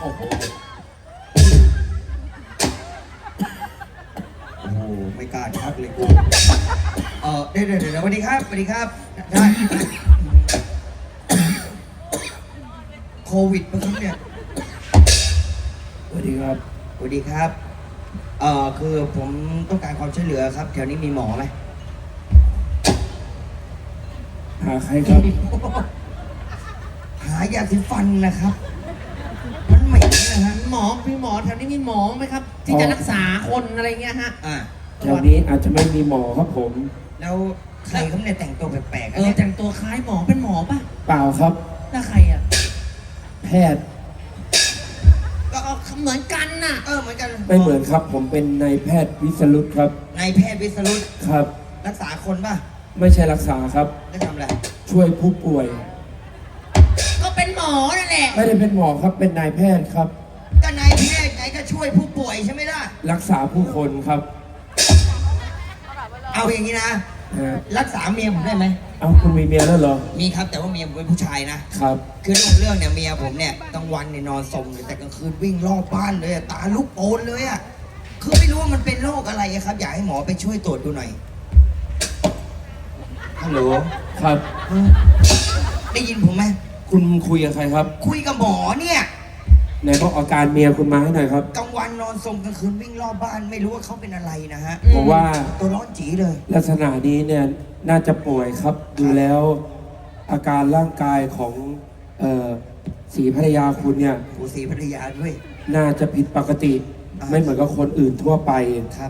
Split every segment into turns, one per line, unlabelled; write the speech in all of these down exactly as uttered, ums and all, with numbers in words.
อ้โหโอ้โหไม่กล้าทักเลยกูเออเดี๋ยวเดี๋ยวเดี๋ยวสวัสดีครับสวัสดีครับได้โควิดปะครับเนี่ยสวัสดีครับสวัสดีครับเอ่อคือผมต้องการความช่วยเหลือครับแถวนี้มีหมอไหมหาใครครับ หายาสีฟันนะครับมันเหม็นนะฮะ
หมอพี่หมอแถวนี้มีหมอไหมครับ ที่จะรักษาคนอะไรเงี้ยฮะ
อ่า
แถวนี้อาจจะไม่มีหมอครับผม
แล้วใครเขาเนี่ยแต่งตัวแปลกๆ
เออแต่งตัวคล้ายหมอเป็นหมอป่ะ
เปล่าครับ
แล้วใครอ่ะ
แพทย์
ก็เหมือนกันน่ะ
เออเหมือนกัน
ไม่เหมือนครับผมเป็นนายแพทย์วิสรุตครับ
นายแพทย์วิสรุต
ครับ
รักษาคนป่ะ
ไม่ใช่รักษาครับ
แล้วทำอะไร
ช่วยผู้ป่วย
ก็เป็นหมอนั่นแหละ
ไม่ได้เป็นหมอครับเป็นนายแพทย์ครับ
ก็นายแพทย์ไงก็ช่วยผู้ป่วยใช่ไหมล่ะ
รักษาผู้คนครับ
เอาอย่างนี้นะรักษาเมียผมได้ไหม
เอาคุณมีเมียแล้วเหรอ
มีครับแต่ว่าเมียผมเป็นผู้ชายนะครับคือเรื่องเนี่ยเมียผมเนี่ยกลางวันเนี่ยนอนสมเลยแต่กลางคืนวิ่งรอบบ้านเลยตาลุกโอนเลยอ่ะคือไม่รู้ว่ามันเป็นโรคอะไรครับอยากให้หมอไปช่วยตรวจดูหน่อยฮัลโหล
ครับ
ได้ยินผมไหม
คุณคุยกับใครครับ
คุยกับหมอเนี่ย
ไหนบอกอาการเมียคุณมาให้หน่อยครับ
กลางวันนอนสมกลางคืนวิ่งรอบบ้านไม่รู้ว่าเขาเป็นอะไรนะฮะ
ผมว่า
ตัวร้อนจีเลย
ลักษณะนี้เนี่ยน่าจะป่วยครับดูแล้วอาการร่างกายของเอ่อศรีภรรยาคุณเนี่ย
โอ้ศรีภรรยาด้วย
น่าจะผิดปกติไม่เหมือนกับคนอื่นทั่วไป
ครับ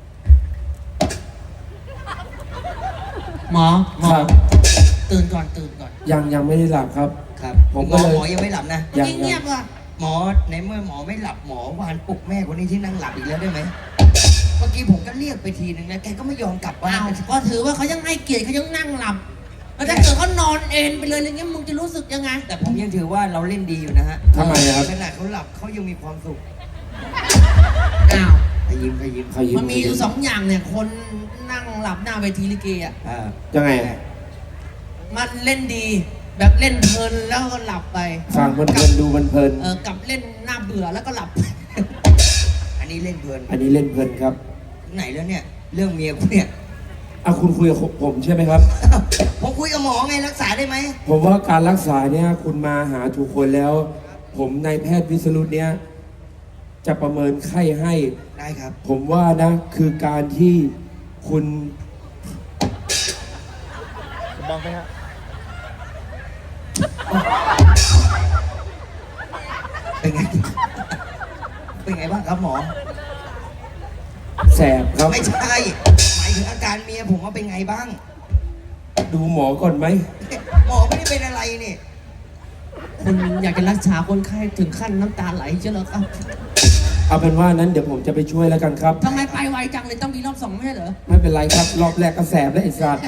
หมอหมอตื่นก่อนตื่นก่อน
ยังยังไม่ได้หลับครับ
ครับผมก็เลยหมอยังไม่หลับนะ
ยังเงียบว่ะ
หมอในเมื่อหมอไม่หลับหมอวานปลุกแม่คนนี้ที่นั่งหลับอีกแล้วได้ไหมเมื่อกี้ผมก็เรียกไปทีนึงนะแกก็ไม่ยอมกลับบ้าน
ก็ถือว่าเขายังให้เกียรติเขายังนั่งหลับแล้วถ้าเกิดเขานอนเอนไปเลยอย่างเงี้ยมึงจะรู้สึกยังไง
แต่ผมยังถือว่าเราเล่นดีอยู่นะฮะ
ทำไมครับ
ขนาดเขาหลับเขายังมีความสุข
อ้าว
ขยิ้มขยิ้ม
ขยิ้ม
มันมีอยู่สองอย่างเนี่ยคนนั่งหลับหน้าเวทีลิเกอ่ะ
ยังไง
มันเล่นดีแบบเล่นเพลินแล้วก็หลับไป
ฟังมันเพลินดูมันเพลิน
เออกับเล่นหน้าเบื่อแล้วก็หลับ
อันนี้เล่นเพลิน
อันนี้เล่นเพลินครับ
ไหนแล้วเนี่ยเรื่องเมียคุณเนี่ย
เอาคุณคุยกับผมใช่ไหมครับ
ผมคุยกับหมอไงรักษาได้ไหม
ผมว่าการรักษาเนี่ยคุณมาหาถูกคนแล้วผมนายแพทย์วิสรุตเนี่ยจะประเมินไข้ให้
ได้ครับ
ผมว่านะคือการที่คุณ
บังไปฮะเป็นไงเป็นไงบ้างครับหมอ
แสบครับ
ไม่ใช่หมายถึงอาการเมียผมว่าเป็นไงบ้าง
ดูหมอก่อนไหม
หมอไม่ได้เป็นอะไรนี่
คุณอยากจะรักษาคนไข้ถึงขั้นน้ำตาไหลเชียวเหรอครับ
เอาเป็นว่านั้นเดี๋ยวผมจะไปช่วยแล้วกันครับ
ทำไมไปไวจังเลยต้องมีรอบสองไม่ใช่เหรอ
ไม่เป็นไรครับรอบแรกก็แสบแล้วไอ้สัตว์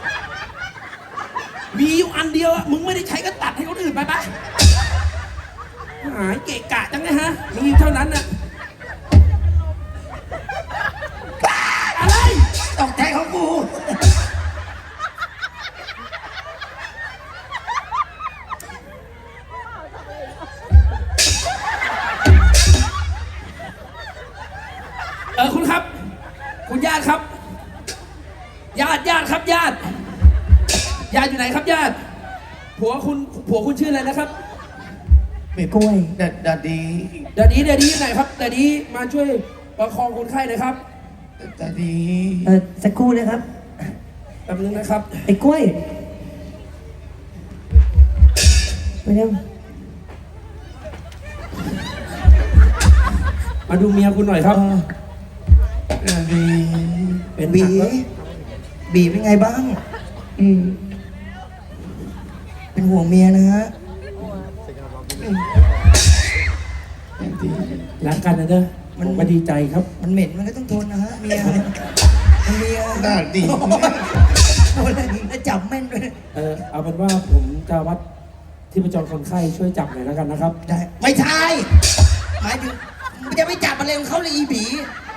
มีอยู่อันเดียวอะมึงไม่ได้ใช้ก็ตัดให้คนอื่นไปปะหายเกะกะจังเลยฮะมีเท่านั้นน่ะอะไร
ตกใจของกู
เออคุณครับคุณญาติครับญาติญาติครับญาติญาติอยู่ไหนครับญาติผัวคุณผัวคุณชื่ออะไรนะครับ
เมกล้วยดัดดัดดี
ดัดดีดัดดีไหนครับดัดดีมาช่วยประคองคนไข้หน่อยครับ
ดัดดี
เออสักครู่นะครับ
แป๊บนึงนะครับ
ไอ้กล้วยมาเร็ว
มาดูเมียคุณหน่อยครับ
บีเป็นบีบีเป็นไงบ้างอืมเป็นห่วงเมียนะฮะ
รักกันนะเด้อมันมาดีใจครับ
มันเหม็นมันก็ต้องทนนะฮะเมียเมียน่าดีโอ้ยแล้วจับแม่นด้วย
เออเอาเป็นว่าผมจะวัดที่ประจรคนไข้ช่วยจับหน่อยแล้วกันนะครับ
ได้ไม่ใช่หมายถึงมันจะไม่จับอะไรของเขาเลยอีบี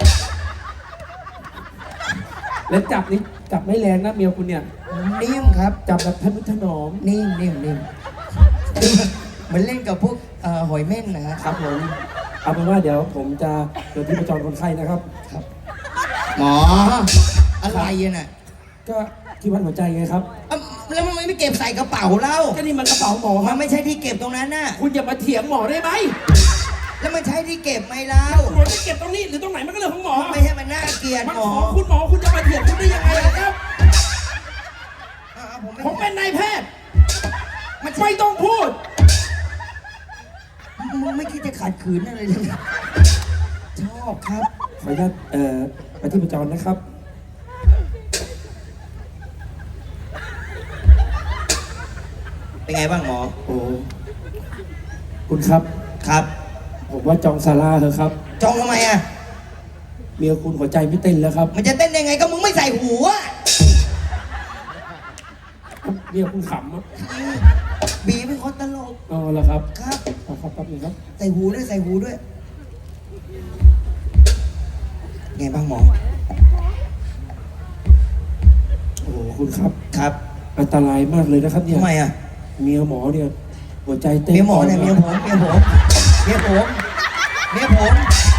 แล้วจับนี่จับไม่แรงนะเมียคุณเนี่ย
นิ่มครับ
จับแบบทนุถนอม
นิ่มนิ่มนิ่มแหมมือนเล่นกับพวกเอ่อหอยเม่นนะฮะ
ครับผมเอาเป็นว่าเดี๋ยวผมจะเดินที่ประจรคนไข้นะครับ
หมออะไรอะน่ะ
ก็ที่วัดหัวใจไงครับ
เอ้าแล้วมันไม่เก็บใส่กระเป๋าเล่า
ก็นี่มันกระเป๋าหมอค
มั
รั
น
บ
ไม่ใช่ที่เก็บตรงนั้นน่ะ
คุณอย่ามาเถียงหมอได้ไหม
แล้วมันใช่ที่เก็บไหมเล่า
หมอจะเก็บตรงนี้หรือตรงไหนมันก็เรื่องของหมอ
ไม่ใช่มันน่าเกลียด
มัน
หม
ข
อ
องคุณหมอคุณจะมาเถียงคุณได้ยังไงล่ะครับ
อ่าผมไม่
ผมเป็นนายแพทย์มันไม่ต้องพูด
มึงไม่คิดจะขัดขืนอะไรเลยชอบครับ
ขออนุญาตเอ่อไปที่ประจรนะครับ
เป็นไงบ้างหมอ
โอ้คุณครับ
ครับ
ผมว่าจองซาร่าเถอะครับ
จองทำไมอ่ะ
เมียคุณหัวใจไม่เต้นแล้วครับ
มันจะเต้นได้ไงก็มึงไม่ใส่หูอ่ะ
เมียคุณขำอะ
บีเป็นคนตลก
อ๋อเหรอครับ
ครับ
เอาครับแป๊บนึงครับ
ใส่หูด้วยใส่หูด้วย ไงบ้างหมอ
โอ้โหคุณครับ
ครับ
อันตรายมากเลยนะครับเนี่ย
ทำไมอ่ะ
เมียหมอเนี่ยหัวใจเต้น
เมียหมอเนี่ยเมียผมเมียผมเมียผมเมียผม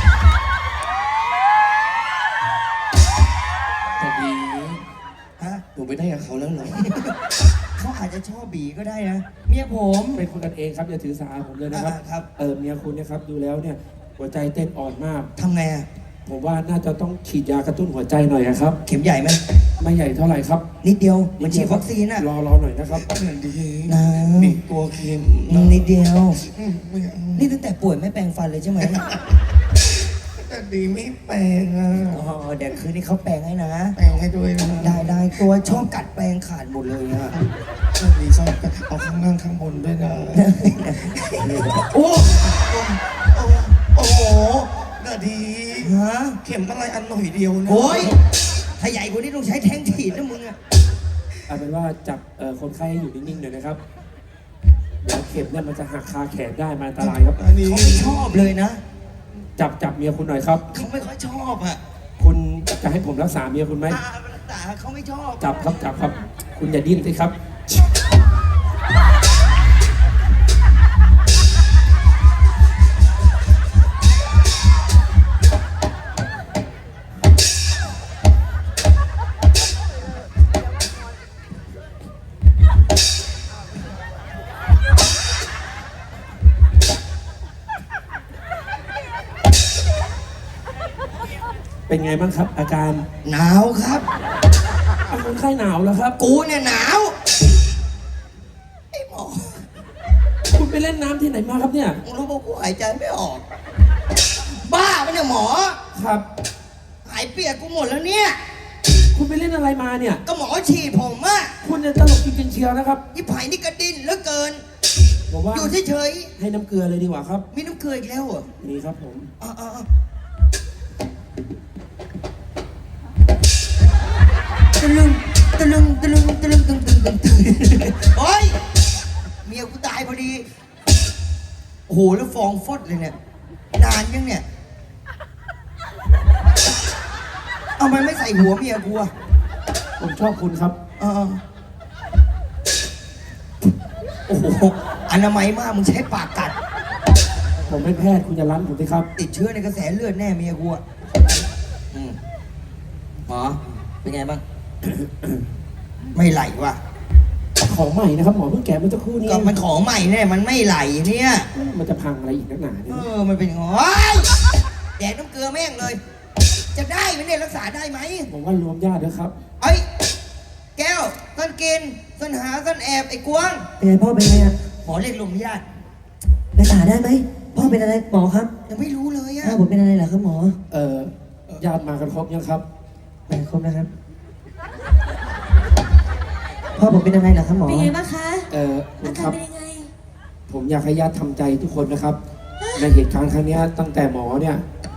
แต่ดี
ฮะ
หนูไปได้กับเขาแล้วเหรอ
เขาอาจจะชอบบีก็ได้นะ เมียผม
เป็นคนกันเองครับอย่าถือสาผมเลยนะครับ
อ่าครับ
เออเมียคุณเนะครับดูแล้วเนี่ยหัวใจเต้นอ่อนมาก
ทำไงอ่ะ
ผมว่าน่าจะต้องฉีดยากระตุ้นหัวใจหน่อยอะครับ
เข็มใหญ่ไหม
ไม่ใหญ่เท่าไหร่ครับ
นิดเดียวมันฉีดวัคซีนอ่ะ
รอรอหน่อยนะครับ
นะ
มีกลัวเค็ม
นิดเดียว นี่ตั้งแต่ป่วยไม่แปรงฟันเลยใช่ไหม
แต่ดีไม่แปลงอ่ะ
อ๋อเดี๋ยวคืนนี้เขาแปรงให้นะ
แปลงให้ด้วยนะ
ได้ได้ตัวชอบกัดแปรงขาดหมดเลยอ่ะ
ดีชอบกันเอาข้างล่างข้างบนด้วยนะ
โอ้
โอ้โอ้โหนาดี
ฮะ
เข็มอะไรอันหน่อยเดียวนะ
โอ้ยถ้าใหญ่กว่านี้ต้องใช้แทงถีดนะมึงอ่ะ
เอาเป็นว่าจับเอ่อคนไข้ให้อยู่นิ่งๆหน่อยนะครับเดี๋ยวเข็มเนี่ยมันจะหักคาแขนได้มันอันตรายครับ
อันนี้
เขาไม่ชอบเลยนะ
จับจับเมียคุณหน่อยครับ
เขาไม่ค่อยชอบอ่ะ
คุณจะให้ผมรักษาเมียคุณไหม
อ่าแต่เขาไม่ชอบ
จับครับจับครับ คุณอย่าดิ้นสิครับ เป็นไงบ้างครับ อาการ
หนาวครับ
เอาคนไข้หนาวแล้วครับ
กูเนี่ยหนาวไอ้หมอ
คุณไปเล่นน้ำที่ไหนมาครับเนี่ย
มึงรู้ป่ะกูหายใจไม่ออก บ้าปะเนี่ยหมอ
ครับ
หายเปียกกูหมดแล้วเนี่ย
คุณไปเล่นอะไรมาเนี่ย
ก็หมอฉีดผมอะ
คุณจะตลกจริงๆเชียวนะครับ
ยี่ไผ่นี่กระดินเหลือเกิน
ผมว่า
อยู่เฉย
ให้น้ำเกลือเลยดีกว่าครับ
ๆมีน้ำเกลืออีกแล้วเหรอ
นี่ครับผม
อ่าๆตะลึงตะลึงตะลึงตะลึงตึงตึงตึงตึงโอ้ยเมียกูตายพอดี โอ้โหแล้วฟองฟอดเลยเนี่ย นานยังเนี่ย เอามันไม่ใส่หัวเมียกูอะ
ผมชอบคุณครับ
เออโอ้โหอนามัยมากมึงใช้ปากกัด
ผมเป็นแพทย์คุณจะรั้นผมสิครับ
ติดเชื้อในกระแสเลือดแน่เมียกูอะอืมหมอ เป็นไงบ้าง ไม่ไหลว่ะ
ของใหม่นะครับหมอเพิ่งแกะเมื่อสักครู่นี้
ก็มันของใหม่แน่มันไม่ไหลเนี่ย
มันจะพังอะไรอีกนักหนา
เอ
เนี่ย
อ มันเป็นงอแดกน้ำเกลือแม่งเลย จะได้ไหมเนี่ยรักษาได้ไหม
ผมว่ารวมญาติด้วยครับ
เอ้ย แก้วต้นกินต้นหาต้นแอบไอ้กวาง
เป็นไงพ่อเป็นไงอ่ะ
หมอเรียกลมญาติ
รักษาได้ไหมพ่อเป็นอะไรหมอครับ
ยังไม่รู้เลยอะ
พ่อผมเป็นอะไรเหรอครับหมอ
เอ่อญาติมากันครบยังครับ
ไปครบนะครับพ่อผมเป็นอะไรเหรอครับหมอ
เป็นไงบ้างคะ
เอ่อคุ
อา
ณ
กา
ค
ร
รับ
เป็นยังไง
ผมอยากให้ญาติทำใจทุกคนนะครับ ในเหตุการณ์ครั้งเนี้ยตั้งแต่หมอเนี่ย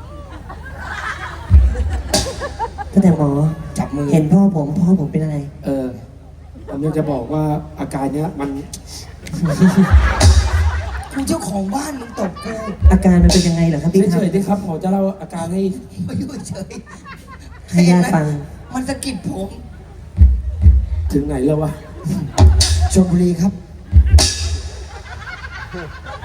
ตั้งแต่หมอ
จับมือ
เห็นพ่อผมพ่อผมเป็นอะไร
เออผมอยากจะบอกว่าอาการเนี้ยมัน
กูเจ้าของบ้านมึงตบกู
อาการมันเป็นยังไงเหรอครับพี่ค
เฉ
รับ
ยๆดิครับหมอจะเล่าอาการให้
มาอยู่เฉย
ให้ญาติฟัง
มันสะกิดผม
ถึงไหนแล้ววะ
ชลบุรีครับ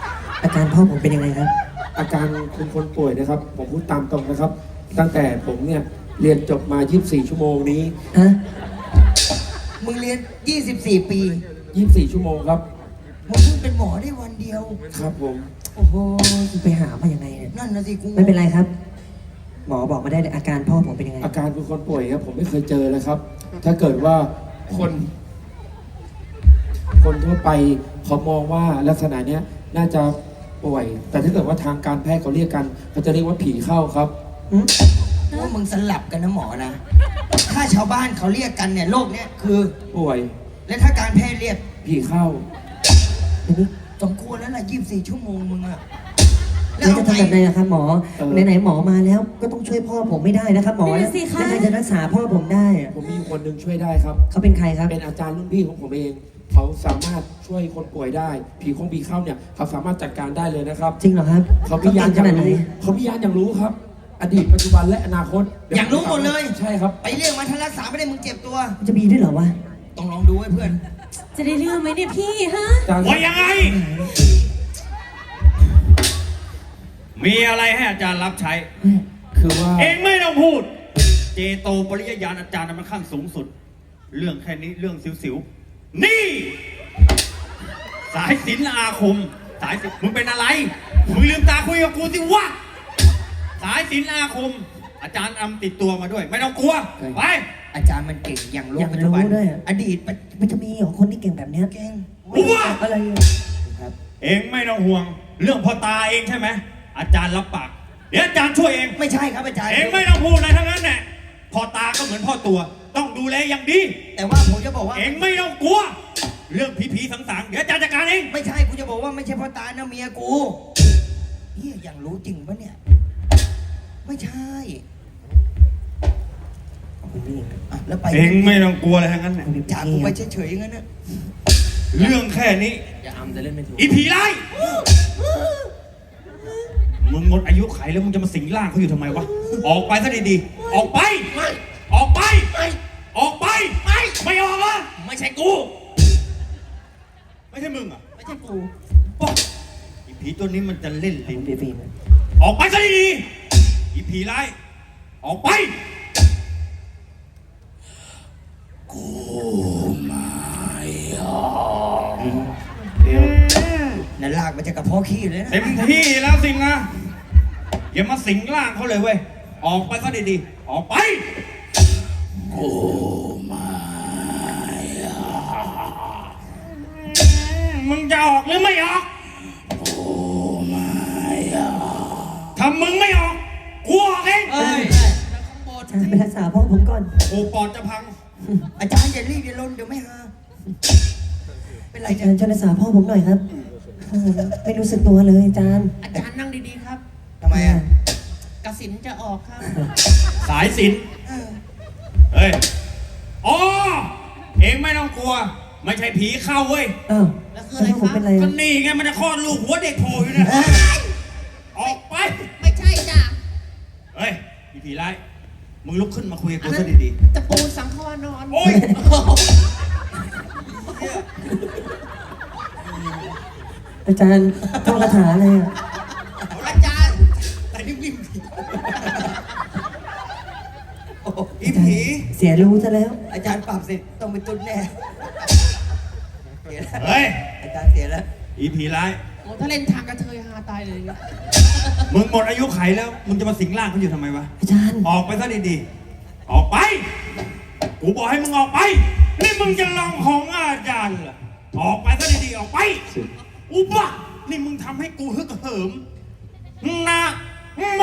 อาการพ่อผมเป็นยังไงครับ
อาการคุณคนป่วยนะครับ ผมพูดตามตรงนะครับ ตั้งแต่ผมเนี่ยเรียนจบมา ยี่สิบสี่ ชั่วโมงนี้
ฮะ
มึงเรียน ยี่สิบสี่ ปี
ยี่สิบสี่ ชั่วโมงครับ
มึงเพิ่งเป็นหมอได้วันเดียว
ครับผม
โอ้โหไปหามายังไงเนี่ย
นั่นนะสิกู
ไม่เป็นไรครับ หมอบอกมาได้เลยอาการพ่อผมเป็นยังไง
อาการคุณคนป่วยครับผมไม่เคยเจอเลยครับ ถ้าเกิดว่าคน คนทั่วไปเขามองว่าลักษณะเนี้ยน่าจะป่วย แต่ถ้าเกิดว่าทางการแพทย์เขาเรียกกันเขาจะเรียกว่าผีเข้าครับ
ว่ามึงสลับกันนะหมอนะ ถ้าชาวบ้านเขาเรียกกันเนี่ยโรคเนี้ยคือ
ป่วย
และถ้าการแพทย์เรียก
ผีเข้า
ทีนี้
สมควรแล้วล่ะยี่สิบสี่ ชั่วโมงมึงอะแล้
แล้ว ว
เอา
จะ
ไง
ทำแบบไหนล่ะครับหมอ
เออ
ไหนๆหมอมาแล้วก็ต้องช่วยพ่อผมไม่ได้นะครับหมอ
นั่น
แล้ว
น่ะสิคะ
ใครจะรักษาพ่อผมได้อะ
ผมมีอยู่คนหนึ่งช่วยได้ครับ
เขาเป็นใครครับ
เป็นอาจารย์รุ่นพี่ของผมเอง เขาสามารถช่วยคนป่วยได้ ผีคงผีเข้าเนี่ยเขาสามารถจัดการได้เลยนะครับ
จริงเหรอครับ
เขาพิยาน
ข
อย่าง
นาดไหน
รู้เขาพิยานอย่างรู้ครับ อดีตปัจจุบันและอนาคต
อยากรู้หมดเลย
ใช่ครับ
ไปเรียกมาถ้ารักษาไม่ได้มึงเจ็บตัว
จะมีด้วยเหรอวะ
ต้องลองดูไว้เพื่อน
จะได้เรื่องไหมเนี่ยพี่ฮะ
อาจารย์
ว่ายังไง มีอะไรให้อาจารย์รับใช้
คือว่า
เองไม่ต้องพูด เจโตปริยญาณอาจารย์นั้นมันขั้นสูงสุด เรื่องแค่นี้เรื่องสิวๆ นี่ สายสิญจนอาคม สายสิญจนมึงเป็นอะไร มึงลืมตาคุยกับกูสิวะ สายสิญจนอาคม อาจารย์อำติดตัวมาด้วย ไม่ต้องกลัว ไป
อาจารย์มันเก่งอย่างโล
อก ยาก
ปัจจุบัน
รู้ด้วยอะ
อดีต
มันจะมีเหรอคนที่เก่งแบบเนี้ย
เก่ง
กูว่า
อะไรอะครับ
เองไม่ต้องห่วง เรื่องพ่อตาเองใช่ไหม อาจารย์รับปาก เดี๋ยวอาจารย์ช่วยเอง
ไม่ใช่ครับอาจารย์
เองไม่ต้องพูดอะไรทั้งนั้นแหละพ่อตาก็เหมือนพ่อตัว ต้องดูแลอย่างดี
แต่ว่าผมจะบอกว่า
เองไม่ต้องกลัว เรื่องผีๆสังๆเดี๋ยวอาจารย์จัดการเอง
ไม่ใช่กูจะบอกว่าไม่ใช่พ่อตานะเมียกูเฮียอย่างรู้จริงปะเนี่ย ไม่ใช่อ่ะแล้วไป
เองไม่ต้องกลัวอะไรทั้งนั้นแหละ
จากกูไปเฉยๆอย่างนั้นนะ
เรื่องแค่นี้
อย่าอำแต่เล่นไม่ถูก
อีผีไล่มึงหมดอายุไขแล้วมึงจะมาสิงร่างเขาอยู่ทำไมวะ ออกไปซะดีๆ ออกไป ออกไป ออกไป ไม่ ไม่ออกวะ
ไม่ใช่กู
ไม่ใช่มึงอ่ะ
ไม่ใช่กู
ป๊อกอีผีตัวนี้มันจะเล่นลิ้น
พี่ฟิล์ม
ออกไปซะดีๆอีผีร้าย ออกไป
เดี๋ยว
นั่นลากมาจากกระเพาะขี้เลยนะ
เต็มที่แล้วสิงนะ อย่ามาสิงร่างเขาเลยเว้ย ออกไปซะดีๆ ออกไป โอ้มามึงจะออกหรือไม่ออก โอ้มาถ้ามึงไม่ออก กูออกเอง
เอ้ย
อาจารย์ไปรักษาพ่อผมก่อน
โอ้ปอดจะพัง
อาจารย์อย่ารีบอย่าลนเดี๋ยวไม่หา เป็นไร
อา
จ้ะ
จารย์ช่วยรักษาพ่อผมหน่อยครับโอ้โหไม่รู้สึกตัวเลยอาจารย์
อาจารย์นั่งดีๆครับ
ทำไมอ่ะ
กสินจะออกครับ
สายสิน
เออ
เฮ้ย อ๋อ เองไม่ต้องกลัว ไม่ใช่ผีเข้าเว้ย
อ้าว
แล้วคือ
แล้ว
อะไร
พ่อผม
คะ
เป็นอะไร
ก็
อะ
นี่ไงมันจะคลอดลูกหัวเด็กโผล่อยู่นะออกไป
ไม่ใช่จ้ะ
เฮ้ยผีผีร้าย มึงลุกขึ้นมาคุยกับ
อั
กู
นนั้
ซะ
น
ดี
ตะปูสังขวานอน
ๆ โอ๊ย
อาจารย์ท่องคาถาอะไรอ่ะ
อาจารย์
แต่นิ่มๆสิโอ้โห
อีผี
เสียรู้ซะแล้ว
อาจารย์ปรับเสร็จต้องไปตุ้นแน่เสียแล้ว
เฮ้ย
อาจารย์เสียแล้ว
อีผีร้าย
โอ้ถ้าเล่นทางกระเทยฮาตายเลย
มึงหมดอายุไขแล้ว มึงจะมาสิงร่างเขาอยู่ทำไมวะ
อาจารย์
ออกไปซะดีๆ ออกไป กูบอกให้มึงออกไป นี่มึงจะลองของอาจารย์เหรอ ออกไปซะดีๆ ออกไป อุบะนี่มึงทำให้กูฮึกเหิมนะโม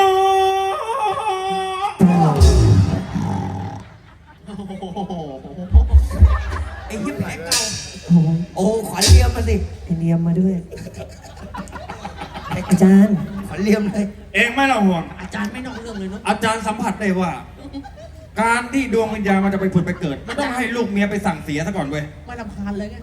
ไอ้ยิ้มแผลเก่า
โอ้โห
โอ้ขวัญเลียมมาสิ
ไอเนียมมาด้วย อาจารย์
ขวัญเลียมเลย
เองไม่ต้องห่วง
อาจารย์ไม่นอกเรื่องเลยเนาะ
อาจารย์สัมผัสได้ว่า การที่ดวงวิญญาณมันจะไปผุดไปเกิด มันต้องให้ลูกเมียไปสั่งเสียซะก่อนเว้ย
ไม่รำคาญเลยไง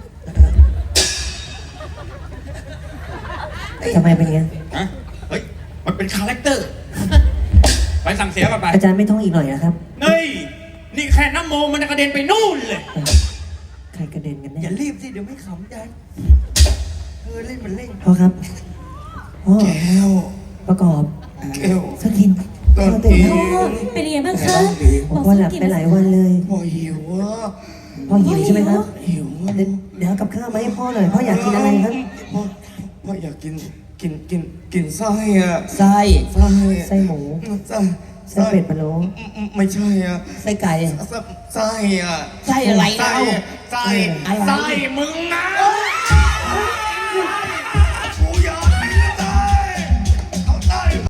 ทำไมเป็นอย่างงี้
ฮะเฮ้ย มันเป็นคาแรคเตอร์ ไปสั่งเสียกันไป
อาจารย์ไม่ท่องอีกหน่อยนะครับ
เฮ้ย นี่แค่น้ำโมมันจะกระเด็นไปนู่นเลย
ใครกระเด็นกัน
อ
แน่
ย่ารีบสิเดี๋ยวไม่ขำอาจารย์เออเล่นมันเล่น
พ่อครับพ่อ
แก้ว
ประกอบ
แก้ว
สักกิน
ตอ
พ่อน ตื่น
นี้
แล้ว
พ่อเป็นยังไงบ้างคะ
พ่อหลับไปหลายวันเลย
พ่อหิวอ่ะ
พ่อหิวใช่ไหมครับ
หิวอ่ะ
เดี๋ยวเดี๋ยวเอากับข้าวมาให้พ่อหน่อยพ่ออยากกินอะไรครับ
พ่อพ่ออยากกินกินกินกินไส้อ่ะ
ไส้
ไส้
ไส้หมู
ไส้
ไส้เป็ดพะโล้
ไม่ใช่อ่ะ
ไส้ไก่
ไส้ไส้อ่ะ
ไส้อะไร
ไส้
เล่า
ไส้
อะไร
ไส้มึงนะ